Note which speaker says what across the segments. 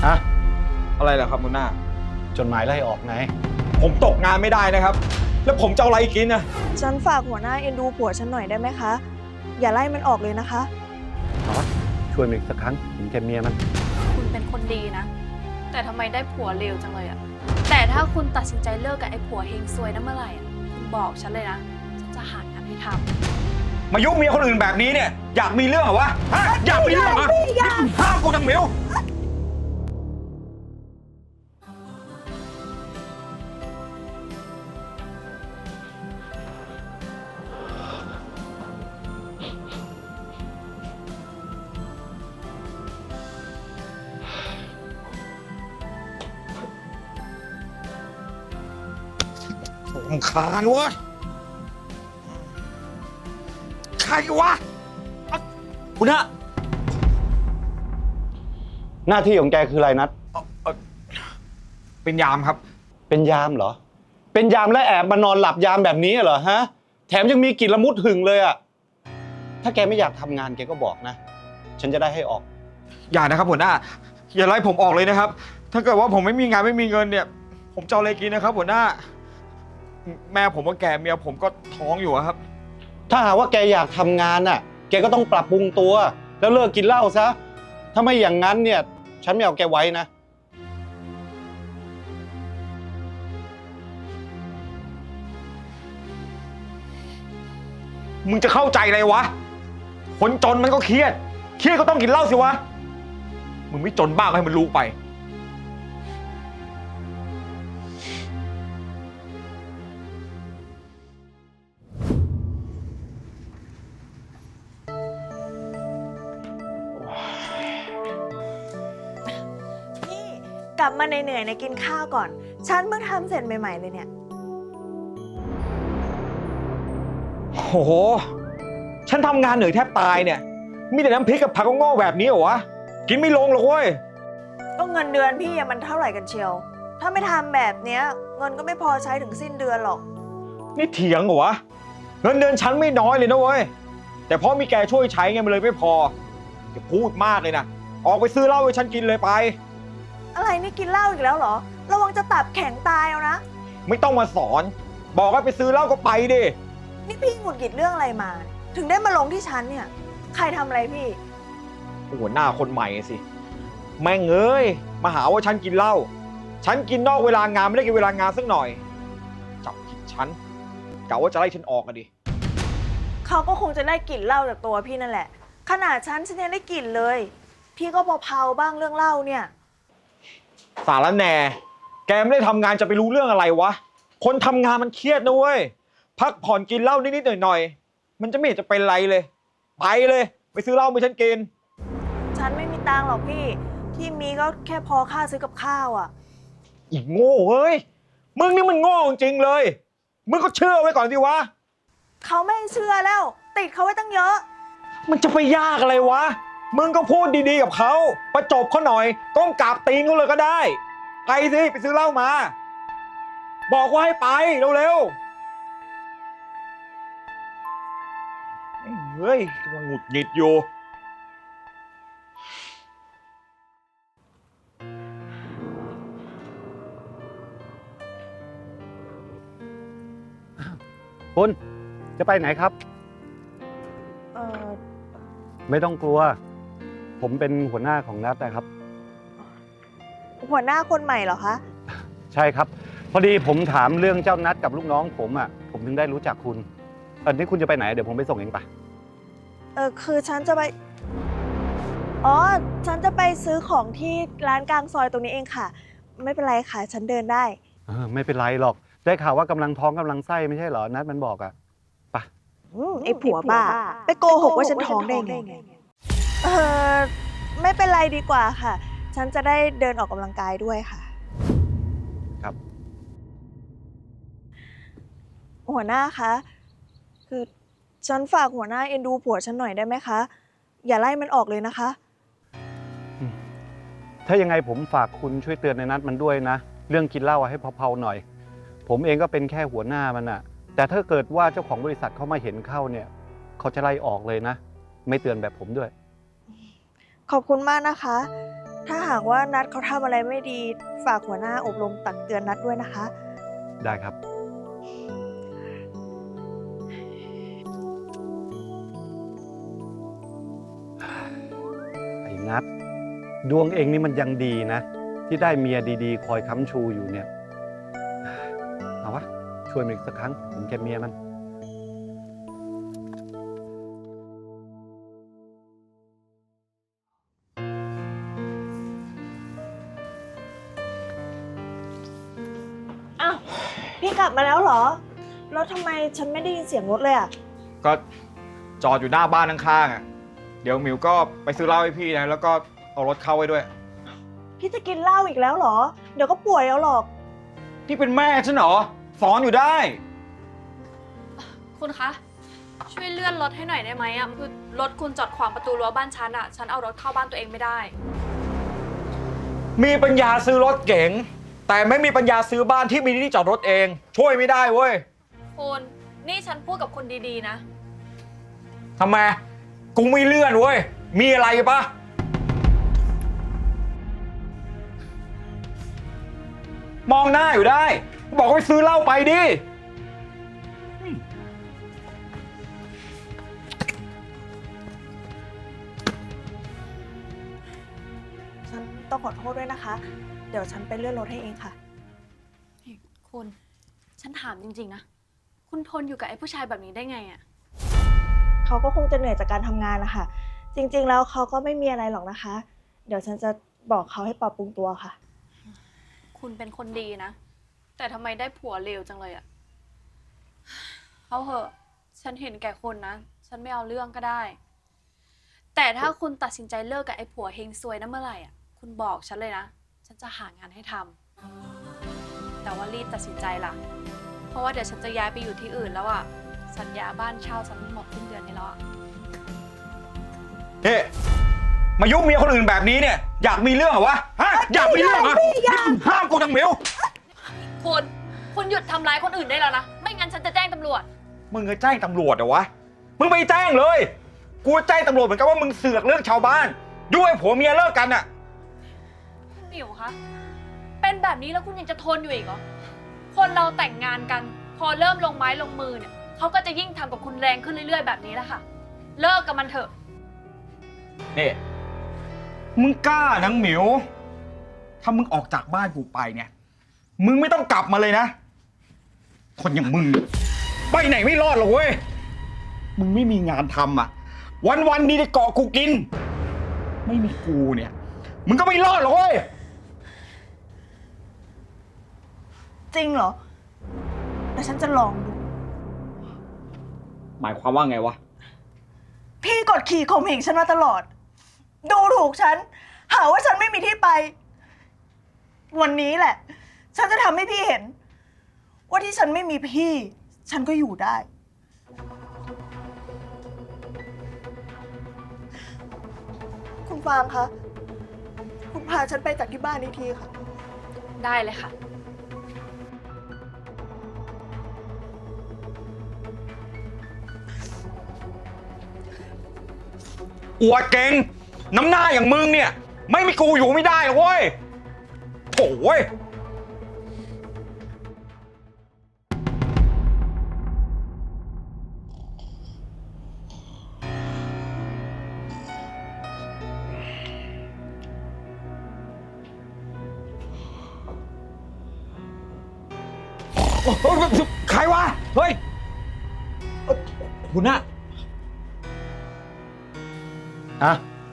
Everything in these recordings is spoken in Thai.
Speaker 1: ฮะ
Speaker 2: อะไรล่ะครับหัวหน้า
Speaker 1: จดหมายไล่ออกไง
Speaker 2: ผมตกงานไม่ได้นะครับแล้วผมจะเอาอะไรกินนะ
Speaker 3: ฉันฝากหัวหน้าเอ็นดูผัวฉันหน่อยได้ไหมคะอย่าไล่มันออกเลยนะคะ
Speaker 1: ช่วยมันอีกสักครั้งถึงแกเมียมัน
Speaker 4: คุณเป็นคนดีนะแต่ทำไมได้ผัวเลวจังเลยอะแต่ถ้าคุณตัดสินใจเลิกกับไอ้ผัวเฮงซวยนั้นเมื่อไหร่คุณบอกฉันเลยนะฉันจะหางานให้ทำ
Speaker 2: มายุ่งเมียคนอื่นแบบนี้เนี่ยอยากมีเรื่องเหรอวะฮะอยากมีเรื่องเหรอห้ามกูทำเหมียวรำคาญวะใครวะคุณฮะ
Speaker 1: หน้าที่ของแกคืออะไรนัด
Speaker 2: เป็นยามครับ
Speaker 1: เป็นยามเหรอเป็นยามและแอบมานอนหลับยามแบบนี้เหรอฮะแถมยังมีกลิ่นละมุดหึงเลยอ่ะถ้าแกไม่อยากทำงานแกก็บอกนะฉันจะได้ให้ออก
Speaker 2: อย่านะครับหัวหน้าอย่าไล่ผมออกเลยนะครับถ้าเกิดว่าผมไม่มีงานไม่มีเงินเนี่ยผมจะเอาอะไรกินนะครับหัวหน้าแม่ผมก็แก่เมียผมก็ท้องอยู่ครับ
Speaker 1: ถ้าหากว่าแกอยากทำงานน่ะแกก็ต้องปรับปรุงตัวแล้วเลิกกินเหล้าซะถ้าไม่อย่างนั้นเนี่ยฉันไม่เอาแกไว้นะ
Speaker 2: มึงจะเข้าใจอะไรวะคนจนมันก็เครียดก็ต้องกินเหล้าสิวะมึงไม่จนบ้างให้มันรู้ไป
Speaker 3: กลับมาเหนื่อยๆกินข้าวก่อนฉันเพิ่งทำเสร็จใหม่ๆเลยเนี่ย
Speaker 2: โอ้โหฉันทำงานเหนื่อยแทบตายเนี่ยมีแต่น้ำพริกกับผักงอกแบบนี้เหรอวะกินไม่ลงหรอกเว้ย
Speaker 3: ก็เงินเดือนพี่มันเท่าไหร่กันเชียวถ้าไม่ทำแบบเนี้ยเงินก็ไม่พอใช้ถึงสิ้นเดือนหรอก
Speaker 2: นี่เถียงเหรอวะเงินเดือนฉันไม่น้อยเลยนะเว้ยแต่เพราะมีแกช่วยใช้ไงมันเลยไม่พอจะพูดมากเลยนะออกไปซื้อเหล้าให้ฉันกินเลยไป
Speaker 3: อะไรนี่กินเหล้าอีกแล้วเหรอระวังจะตับแข็งตายเอานะ
Speaker 2: ไม่ต้องมาสอนบอกให้ไปซื้อเหล้าก็ไปดิ
Speaker 3: นี่พี่หงุดหงิดเรื่องอะไรมาถึงได้มาลงที่ฉันเนี่ยใครทำอะไรพี่
Speaker 2: หัวหน้าคนใหม่สิแม่งเอ้ยมาหาว่าฉันกินเหล้าฉันกินนอกเวลางานไม่ได้กินเวลางานสักหน่อยจับผิดฉันกะว่าจะไล่ฉันออกอะดิ
Speaker 3: เขาก็คงจะได้กลิ่นเหล้าจากตัวพี่นั่นแหละขนาดฉันยังได้กลิ่นเลยพี่ก็เผาๆบ้างเรื่องเหล้าเนี่ย
Speaker 2: สารแหน่แกไม่ได้ทำงานจะไปรู้เรื่องอะไรวะคนทำงานมันเครียดนะเว้ยพักผ่อนกินเหล้านิดๆหน่อยๆมันจะไม่เห็นจะเป็นไรเลยไปเลยไปซื้อเหล้ามาฉันกิน
Speaker 3: ฉันไม่มีตังค์หรอกพี่ที่มีก็แค่พอค่าซื้อกับข้าวอ่ะ
Speaker 2: อีกโง่เฮ้ยมึงนี่มันโง่จริงเลยมึงก็เชื่อไว้ก่อนสิวะ
Speaker 3: เขาไม่เชื่อแล้วติดเขาไว้ตั้งเยอะ
Speaker 2: มันจะไปยากอะไรวะมึงก็พูดดีๆกับเขาประจบเขาหน่อยก้มกราบตีนเขาเลยก็ได้ไปสิไปซื้อเหล้ามาบอกว่าให้ไปเร็วๆเฮ้ยกำลังหงุดหงิดอยู่
Speaker 1: คุณจะไปไหนครับไม่ต้องกลัวผมเป็นหัวหน้าของนัทนะครับ
Speaker 3: หัวหน้าคนใหม่เหรอคะ
Speaker 1: ใช่ครับพอดีผมถามเรื่องเจ้านัทกับลูกน้องผมอ่ะผมถึงได้รู้จักคุณตอนนี้คุณจะไปไหนเดี๋ยวผมไปส่งเองปะ
Speaker 3: คือฉันจะไปฉันจะไปซื้อของที่ร้านกลางซอยตรงนี้เองค่ะไม่เป็นไรค่ะฉันเดินได้
Speaker 1: ไม่เป็นไรหรอกได้ข่าวว่ากำลังท้องกำลังไส้ไม่ใช่เหรอนัทมันบอกอ่ะปะ
Speaker 3: ไอ้ผัวบ้าไปโกหกว่าฉันท้องได้ไงไม่เป็นไรดีกว่าค่ะฉันจะได้เดินออกกำลังกายด้วยค่ะ
Speaker 1: ครับ
Speaker 3: หัวหน้าคะคือฉันฝากหัวหน้าเอ็นดูผัวฉันหน่อยได้ไหมคะอย่าไล่มันออกเลยนะคะ
Speaker 1: ถ้ายังไงผมฝากคุณช่วยเตือนในนัทมันด้วยนะเรื่องกินเหล้าให้เผาๆหน่อยผมเองก็เป็นแค่หัวหน้ามันอะแต่ถ้าเกิดว่าเจ้าของบริษัทเขามาเห็นเข้าเนี่ยเขาจะไล่ออกเลยนะไม่เตือนแบบผมด้วย
Speaker 3: ขอบคุณมากนะคะถ้าหากว่านัดเขาทำอะไรไม่ดีฝากหัวหน้าอบรมตักเตือนนัดด้วยนะคะ
Speaker 1: ได้ครับ ไอ้นัทดวงเองนี่มันยังดีนะ ที่ได้เมียดีๆ คอยค้ำชูอยู่เนี่ย เอาวะ ช่วยมันอีกสักครั้งถึงแกเมียมัน
Speaker 3: อ้าว พี่กลับมาแล้วเหรอ แล้วทำไมฉันไม่ได้ยินเสียงรถเลยอ่ะ
Speaker 2: ก็จอดอยู่หน้าบ้านข้างๆอ่ะ เดี๋ยวหมิวก็ไปซื้อเหล้าให้พี่นะ แล้วก็เอารถเข้าไว้ด้วย
Speaker 3: พี่จะกินเหล้าอีกแล้วเหรอ เดี๋ยวก็ป่วยเอาหรอก
Speaker 2: พี่เป็นแม่ฉันเหรอ สอนอยู่ได้
Speaker 4: คุณคะ ช่วยเลื่อนรถให้หน่อยได้ไหมอะคือรถคุณจอดขวางประตูรั้วบ้านฉันอะฉันเอารถเข้าบ้านตัวเองไม่ได้
Speaker 2: มีปัญญาซื้อรถเก๋ง แต่ไม่มีปัญญาซื้อบ้านที่มีที่จอดรถเอง ช่วยไม่ได้เว้ย
Speaker 4: คุณนี่ฉันพูดกับคุณดีๆนะ
Speaker 2: ทำไม กูไม่เลื่อนเว้ย มีอะไรปะมองหน้าอยู่ได้ บอกว่าไปซื้อเหล้าไปดิ
Speaker 3: ฉันต้องขอโทษด้วยนะคะ เดี๋ยวฉันไปเลื่อนรถให้เองค่ะ
Speaker 4: คุณ ฉันถามจริงๆนะ คุณทนอยู่กับไอ้ผู้ชายแบบนี้ได้ไงอะ
Speaker 3: เขาก็คงจะเหนื่อยจากการทำงานนะคะ จริงๆ แล้วเขาก็ไม่มีอะไรหรอกนะคะ เดี๋ยวฉันจะบอกเขาให้ปรับปรุงตัวค่ะ
Speaker 4: คุณเป็นคนดีนะ แต่ทำไมได้ผัวเลวจังเลยอะเอาเหอะ ฉันเห็นแก่คนนะ ฉันไม่เอาเรื่องก็ได้ แต่ถ้าคุณตัดสินใจเลิกกับไอ้ผัวเฮงซวยนั้นเมื่อไหร่อะคุณบอกฉันเลยนะ ฉันจะหางานให้ทำแต่ว่ารีบตัดสินใจล่ะ เพราะว่าเดี๋ยวฉันจะย้ายไปอยู่ที่อื่นแล้วอะสัญญาบ้านเช่าฉันหมดสิ้นเดือนนี้แล้วอะ
Speaker 2: เฮ้มายุ่งเมียคนอื่นแบบนี้เนี่ย อยากมีเรื่องเหรอวะ ฮะ อยากมีเรื่องเหรอห้ามกูจังหมิว
Speaker 4: คุณหยุดทำร้ายคนอื่นได้แล้วนะ ไม่งั้นฉันจะแจ้งตำรวจ
Speaker 2: มึงจะแจ้งตำรวจเหรอวะ มึงไปแจ้งเลย กูแจ้งตำรวจเหมือนกันว่ามึงเสือกเรื่องชาวบ้าน ด้วยผัวเมียเลิกกันอะ
Speaker 4: คุณหมิวคะ เป็นแบบนี้แล้วคุณยังจะทนอยู่อีกเหรอ คนเราแต่งงานกัน พอเริ่มลงไม้ลงมือเนี่ยเขาก็จะยิ่งทำกับคุณแรงขึ้นเรื่อยๆแบบนี้แหละค่ะ เลิกกับมันเถอะ
Speaker 2: นี่ มึงกล้านังหมิว ถ้ามึงออกจากบ้านกูไปเนี่ย มึงไม่ต้องกลับมาเลยนะ คนอย่างมึงไปไหนไม่รอดหรอกเว้ย มึงไม่มีงานทำอ่ะ วันๆนี้ได้เกาะกูกิน ไม่มีกูเนี่ย มึงก็ไม่รอดหรอกเว้ย
Speaker 3: จริงเหรอแล้วฉันจะลองดู
Speaker 2: หมายความว่าไงวะ
Speaker 3: พี่กดขี่ข่มเหงฉันมาตลอด ดูถูกฉัน หาว่าฉันไม่มีที่ไป วันนี้แหละ ฉันจะทำให้พี่เห็น ว่าที่ฉันไม่มีพี่ ฉันก็อยู่ได้ คุณฟางคะ คุณพาฉันไปจากที่บ้านนี้ทีค่ะ
Speaker 4: ได้เลยค่ะ
Speaker 2: อวดเก่ง น้ำหน้าอย่างมึงเนี่ย ไม่มีกูอยู่ไม่ได้หรอกเว้ยโถ่เว้ย ใครวะ เฮ้ยคุณน่ะ
Speaker 1: อะ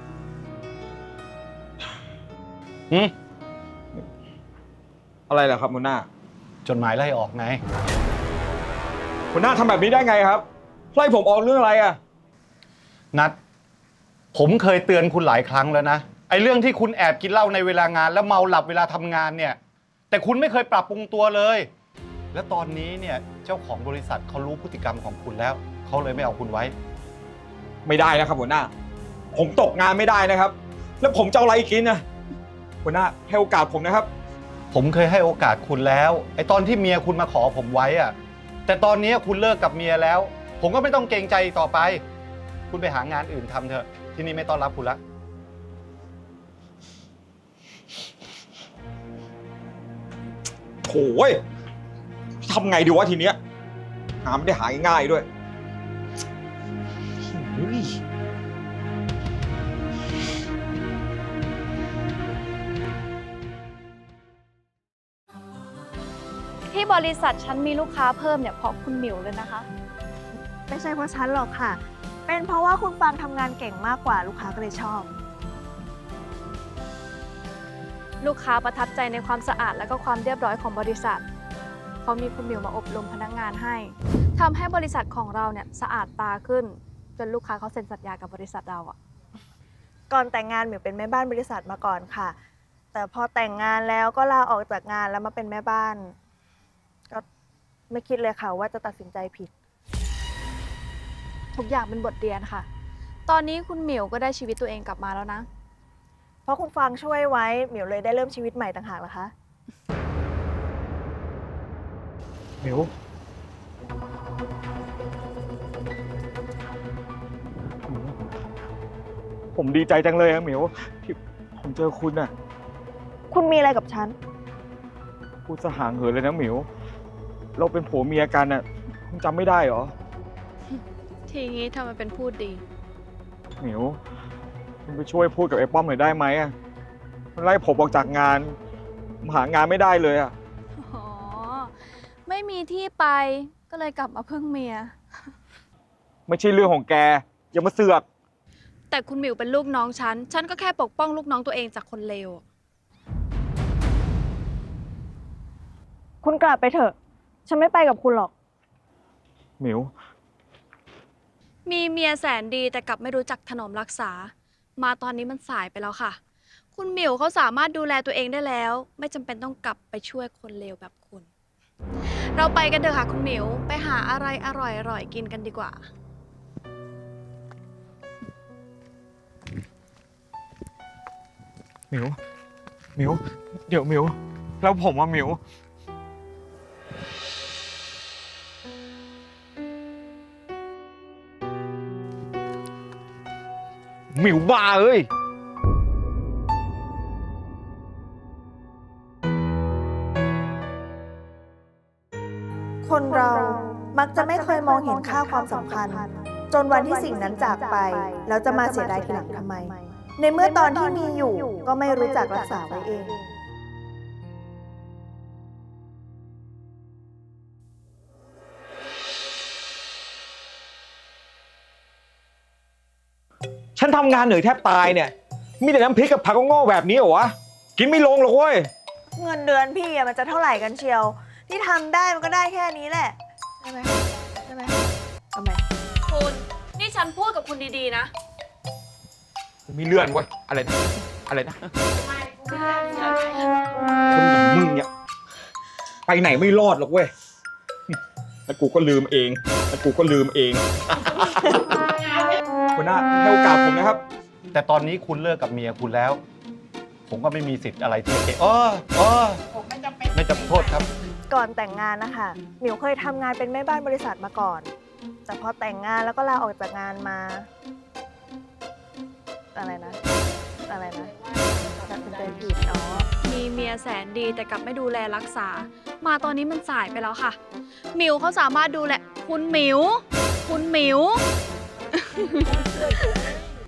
Speaker 1: อืม
Speaker 2: อะไรเหรอครับคุณหน้า
Speaker 1: จดหมายไล่ออกไง
Speaker 2: คุณหน้าทำแบบนี้ได้ไงครับ ไล่ผมออกเรื่องอะไรอ่ะ
Speaker 1: นัด ผมเคยเตือนคุณหลายครั้งแล้วนะ ไอ้เรื่องที่คุณแอบกินเหล้าในเวลางาน แล้วเมาหลับเวลาทำงานเนี่ย แต่คุณไม่เคยปรับปรุงตัวเลย และตอนนี้เนี่ยเจ้าของบริษัทเขารู้พฤติกรรมของคุณแล้ว เขาเลยไม่เอาคุณไว้
Speaker 2: ไม่ได้นะครับหัวหน้า ผมตกงานไม่ได้นะครับ แล้วผมจะเอาอะไรกินนะหัวหน้าให้โอกาสผมนะครับ
Speaker 1: ผมเคยให้โอกาสคุณแล้ว ไอ้ตอนที่เมียคุณมาขอผมไว้อะแต่ตอนนี้คุณเลิกกับเมียแล้ว ผมก็ไม่ต้องเกรงใจต่อไป คุณไปหางานอื่นทำเถอะ ที่นี่ไม่ต้อนรับคุณละ
Speaker 2: โถ่เว้ยทำไงดีวะทีเนี้ยงานไม่ได้หาง่ายๆด้วยเฮ้ย
Speaker 4: ที่บริษัทฉันมีลูกค้าเพิ่มเนี่ยเพราะคุณหมิวเลยนะคะ
Speaker 3: ไม่ใช่เพราะฉันหรอกค่ะ เป็นเพราะว่าคุณฟางทำงานเก่งมากกว่าลูกค้าก็เลยชอบ
Speaker 4: ลูกค้าประทับใจในความสะอาดและก็ความเรียบร้อยของบริษัทเขามีคุณหมิวมาอบรมพนักงานให้ทำให้บริษัทของเราเนี่ยสะอาดตาขึ้นจนลูกค้าเขาเซ็นสัญญากับบริษัทเราอะ
Speaker 3: ก่อนแต่งงานหมิวเป็นแม่บ้านบริษัทมาก่อนค่ะ แต่พอแต่งงานแล้วก็ลาออกจากงานแล้วมาเป็นแม่บ้าน ก็ไม่คิดเลยค่ะว่าจะตัดสินใจผิด
Speaker 4: ทุกอย่างเป็นบทเรียนค่ะ ตอนนี้คุณหมิวก็ได้ชีวิตตัวเองกลับมาแล้วนะ
Speaker 3: เพราะคุณฟางช่วยไว้หมิวเลยได้เริ่มชีวิตใหม่ต่างหากเหรอคะ
Speaker 2: หมิวผมดีใจจังเลยอะหมิวที่ผมเจอคุณอะ
Speaker 3: คุณมีอะไรกับฉัน
Speaker 2: พูดสะห่างเหินเลยนะหมิวเราเป็นผัวเมียกันอะคุณจำไม่ได้เหรอ
Speaker 4: ทีนี้ทำไมเป็นพูดดี
Speaker 2: หมิวคุณไปช่วยพูดกับไอ้ป้อมหน่อยได้ไหมอะมันไล่ผมออกจากงานผมหางานไม่ได้เลยอะ
Speaker 4: อ๋อ ไม่มีที่ไปก็เลยกลับมาพึ่งเมีย
Speaker 2: ไม่ใช่เรื่องของแกอย่ามาเสือก
Speaker 4: แต่คุณหมิวเป็นลูกน้องฉัน ฉันก็แค่ปกป้องลูกน้องตัวเองจากคนเลว
Speaker 3: คุณกลับไปเถอะ ฉันไม่ไปกับคุณหรอก
Speaker 2: หมิว
Speaker 4: มีเมียแสนดีแต่กลับไม่รู้จักถนอมรักษา มาตอนนี้มันสายไปแล้วค่ะ คุณหมิวเขาสามารถดูแลตัวเองได้แล้ว ไม่จำเป็นต้องกลับไปช่วยคนเลวแบบคุณ เราไปกันเถอะค่ะคุณหมิว ไปหาอะไรอร่อยๆกินกันดีกว่า
Speaker 2: หมิว หมิว เดี๋ยวหมิว แล้วผมว่าหมิว หมิวบ้าเอ้ย
Speaker 3: คนเรามักจะไม่เคยมองเห็นค่าความสำคัญ จนวันที่สิ่งนั้นจากไป แล้วจะมาเสียดายทีหลังทำไม ในเมื่อตอนที่มีอยู่ก็ไม่รู้จักรักษาไว้เอง
Speaker 2: ฉันทำงานเหนื่อยแทบตายเนี่ย มีแต่น้ำพริกกับผักโง่ๆแบบนี้เหรอวะ กินไม่ลงหรอกเว้ย
Speaker 3: เงินเดือนพี่อะมันจะเท่าไหร่กันเชียว ที่ทำได้มันก็ได้แค่นี้แหละใช่ไหมใช่ไหมทำไม
Speaker 4: คุณ นี่ฉันพูดกับคุณดีๆนะ
Speaker 2: มีเลื่อนเว้ย อะไรนะ อะไรนะ คนอย่างมึงเนี่ย ไปไหนไม่รอดหรอกเว้ย แล้วกูก็ลืมเอง หัวหน้าให้โอกาสผมนะครับ
Speaker 1: แต่ตอนนี้คุณเลิกกับเมียคุณแล้ว ผมก็ไม่มีสิทธิ์อะไรที่จะไม่จำโทษครับ
Speaker 3: ก่อนแต่งงานนะคะหมิวเคยทำงานเป็นแม่บ้านบริษัทมาก่อน แต่พอแต่งงานแล้วก็ลาออกจากงานมา อะไรนะตัดสินใจผิดอ๋อ
Speaker 4: มีเมียแสนดีแต่กลับไม่ดูแลรักษา มาตอนนี้มันสายไปแล้วค่ะ หมิวเขาสามารถดูแลคุณหมิว